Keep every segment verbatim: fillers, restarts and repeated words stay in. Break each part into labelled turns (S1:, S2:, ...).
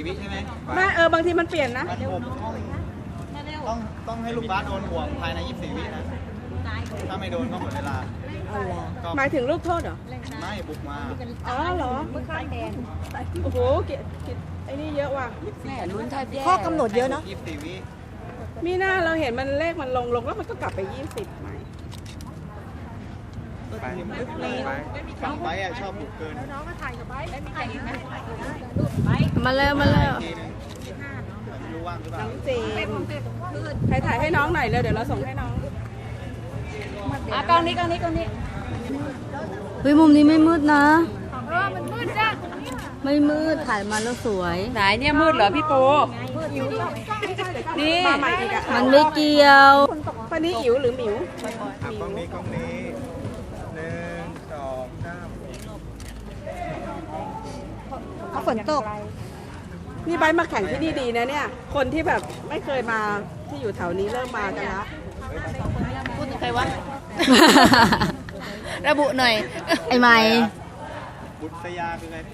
S1: วิใช่ไหม
S2: ไม่เออบางทีมันเปลี่ยนนะ
S1: ต้องต้องให้ลูกบาสโดนห่วงภายในยี่สิบสี่วินะถ้าไม่โดนก็หมดเวลา
S2: หมายถึงลูกโทษเหรอ
S1: ไม่บุกมา
S2: อ๋อเหรอโอ้โหกิกิไอ้นี่เยอะว่ะ
S3: ข้อกำหนดเยอะเนาะ
S1: ยี่สิบสี่วิ
S2: มีหน้าเราเห็นมันเลขมันลงลงแล้วมันก็กลับไปยี่สิบไหม
S1: ไปไปอ่ะชอบบุกเกินน้องก็ถ่ายกับไปไม่มีใครไหม
S2: มาแล้วมาแล้ว
S1: รู้ว่างหรือเปล่า
S2: น้องเจมใครถ่ายให้น้องหน่อยเร็วเดี๋ยวเราส่งให้น้องอ่ะกล้องนี้กล้องนี้กล้องนี้
S3: เฮ้ยมุมนี้ไม่มืดนะ
S2: เออมันมืดจ้ะ
S3: ไม่มืดถ่ายมาแล้วสวย
S2: ไหนเนี่ยมืดเหรอพี่โปนี่
S3: มันไม่เกี่ยว
S2: คนนี้อิ๋วหรือหมิว
S1: กล้องนี้กล้องนี้หนึ่งสองสาม
S3: เขาฝนตก
S2: นี่ใบมาแข่งที่นี่ดีนะเนี่ยคนที่แบบไม่เคยมาที่อยู่แถวนี้เริ่มมากันแล้ว
S3: พูดถึงใครวะระบุหน่อยไอ้ไม้
S1: บุตรยาคือไง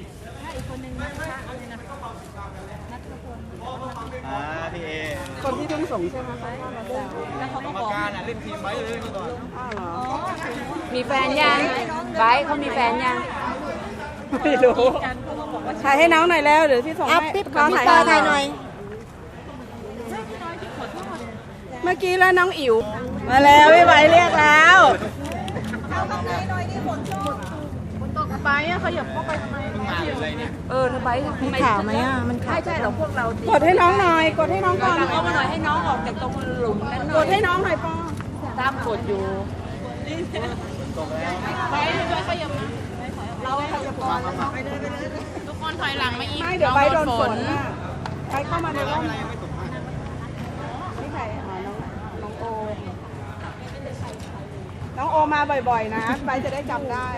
S1: อ่าพี่เอ
S2: คนที่ทุ่งสงใช่ไหมคะ
S1: แล้วเขาก็บอกการเล่นทีมไว้เลยก่อน
S2: อ้าวเหรอ
S3: มีแฟนยังไบร์ทเขามีแฟนยัง
S2: ไม่รู้ถ่ายให้น้องหน่อยแล้วเดี๋ยวพี่ส่งให้
S3: ขอถ่ายถ่ายหน่อย
S2: เมื่อกี้แล้วน้องอิ๋วมาแล้วพี่ใบเรียกแล้ว
S3: เอาตรงไหนหน่อยดิฝนตก
S2: ฝนตกไปอ่ะขยับเข้าไปทำไม
S3: เออทำไมมันขาวไหมอ่ะมัน
S2: ใช่ใช่หรอพวกเรากดให้น้องหน่อยกดให้น้องก่อน
S3: เอามาหน่อยให้น้องออกจากตรงหลุมนั้นหน่อย
S2: กดให้น้องหน่อยป้อ
S3: ตามกดอยู่
S2: ไปด้วยขยับเราขยับก่อน
S3: ทุกคนถอยหลังมาอีก
S2: ไม่เดี๋ยวใบโดนฝนใครเข้ามาในร่มนี่ใครอ๋อน้องน้องโอน้องโอมาบ่อยๆนะใบจะได้จำได้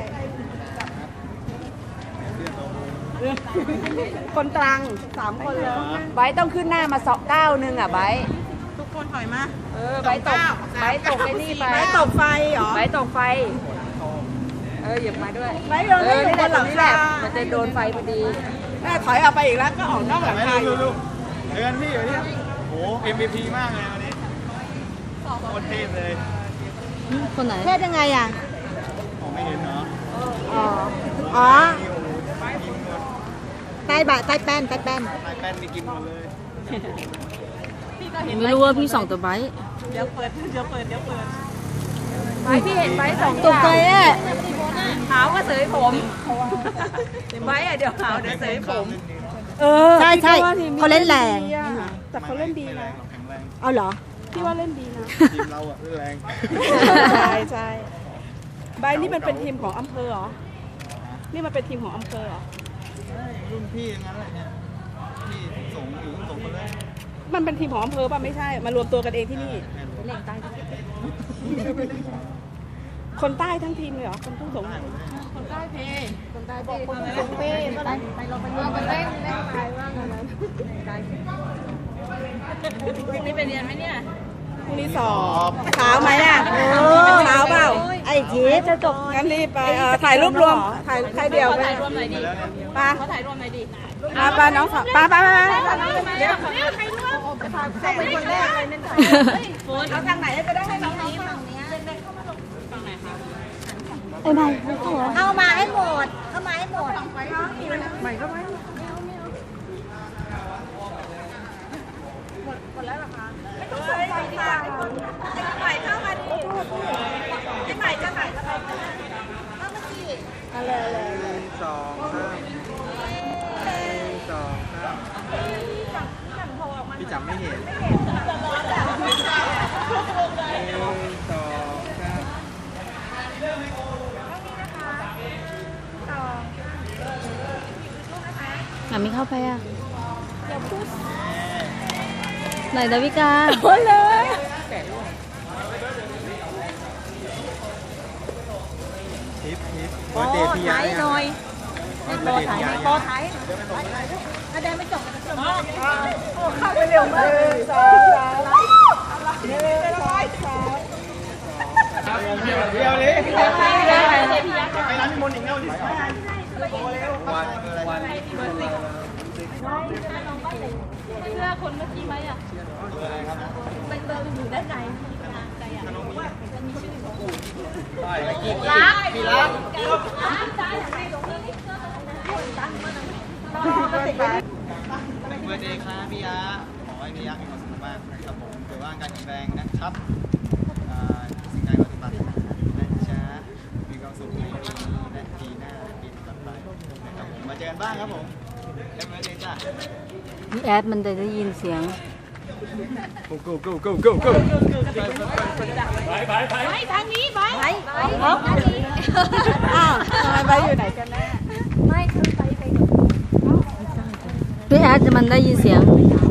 S2: คนตรังสามคนเลย
S3: ไบต้องขึ้นหน้ามาสองเก้าหนึ่งอ่ะไบ
S2: ทุกคนถอยมา
S3: เออไบตกไบตกไอ้นี่ไป
S2: ไบตกไฟเหรอ
S3: ไบตกไฟเออหยิบมาด้วย
S2: ไบโดนไม่อยู่บนหลังคา
S3: มันจะโดนไฟพอดี
S2: แม่ถอยออกไปอีกแล้วก็ออกนอกหลังคาอยู่
S1: เดือนพี่อยู่นี่โอ้ เอ็ม วี พี มากเลยวันนี้โคตรเทพเลย
S3: คนไหนเทพยังไงอ่ะ
S1: ไม่เห็นเนาะ
S3: อ๋ออ๋อใต้บะใต้แป้นใต้แป้น
S1: ใต้แป้นมีกินหมดเลย
S3: ไม่รู้ว่าพี่ส่องตัวไบ
S2: เดี๋ยวเปิดเดี๋ยวเปิดเดี๋ยวเปิด
S3: ไบพี่เห็นไบสองตกใจอ่ะ
S2: หาวว่าเสยผมไบอ่ะเดี๋ยวหาวเดี๋ยวเสยผม
S3: เออใช่ใช่เขาเล่นแรง
S2: แต่เขาเล่นดีนะ
S3: เอาเหรอ
S2: พี่ว่าเล่นดีนะ
S1: ทีมเราอ่ะเล่นแรง
S2: ใช่ใช่ใบนี่มันเป็นทีมของอำเภอเหรอนี่มันเป็นทีมของอำเภอเหรอ
S1: รุ่นพี่อย่างนั้นแหละเนี่ยพี่ส่งอยู่ส่งมาเลย
S2: มันเป็นทีมของอำเภอป่ะไม่ใช่มารวมตัวกันเองที่นี่คนใต้ทั้งทีมเลยเหรอคนทุ่งสงคนใต้เพคนใต้บอกคนสงเพไปไปเราไปเล่นไปเล่นเล่นไปว่ากันนั้นนี่ไปเรียนไหมเนี่ยพรุ่งนี้สอบเช้าไหมอ่ะเช้าเปล่า
S3: ไอ้ทีจะจบ
S2: งั้นรีบไปถ่ายรูปรวมถ่ายใครเดียวไปถ่ายรวมหน่อยดิป้าเขาถ่ายรวมหน่อยดิป้าป้าน้องป้าป้าป้าเดี๋ยวเดี๋ยวใครร่วมเข้าไปคนแรกเลยนั่นถ่ายเอาทางไหนจะได้ให้น้องนี้ฝั่งนี้ฝั่งไหนคะ
S3: ไอ้ใหม่
S2: เอามาให้หมดเอามาให้หมดใหม่ก็ไหมหมดแล้วเหรอคะไม่ต้องสนใจดีกว่าไอ้ใหม่เข้ามาดิไอ้ใหม่จะไหนจะไปเข้ามาสิอะไรอะไร
S1: หนึ่งสองสามหนึ่งสองสามพี่จำไม่เห็นหนึ่งสองสาม
S3: อ่ะไม่เข้าไปอ่ะไหนดาวิกา
S2: โอ้เลย
S1: ทิปทิปโอ้เดพี่ยาหน่อย
S2: โบถ่ายโบถ่ายถ้าเดินไม่จบจะจบโอ้เข้าไปเร็วมากสองสามเร็วๆสองสาม
S1: เดี๋ยวเดี๋ยวเลยไปร้านพี่มนต์อีกแล้วดิวันวัน
S2: เสื้อคนเมื่อกี้ไหมอ่ะ
S1: เบอร์อะไรครับ
S2: ใบเตยอยู่ด้านในใจอ่ะ
S1: ขนมมี
S2: มันมีชื่อของ
S1: ได้แล้วกี่
S2: รัก
S1: พี่รัก
S2: ใจอย่างไรหลงเรื่องนี้เสื้อคนตั้งมัน
S1: เบอร์เดย์ครับพี่ยะขอให้พี่ยะมีความสุขมากนะครับผมถือว่าการแข็งแรงนะครับอ่าสิ่งใดก็ปฏิบัตินะจ๊ะมีความสุขในปีนี้และปีหน้าและปีต่อไปนะครับผมมาเจอกันบ้างครับผมเอ็มเบอร์เดย์จ้ะ
S3: พี่แอดมันจะได้ยินเสียง
S1: go go go go go go
S2: ไปทางนี้ไปไปไปอ้าวทำไมไปอยู่ไหนกันแน่
S3: พี่แอดมันได้ยินเสียง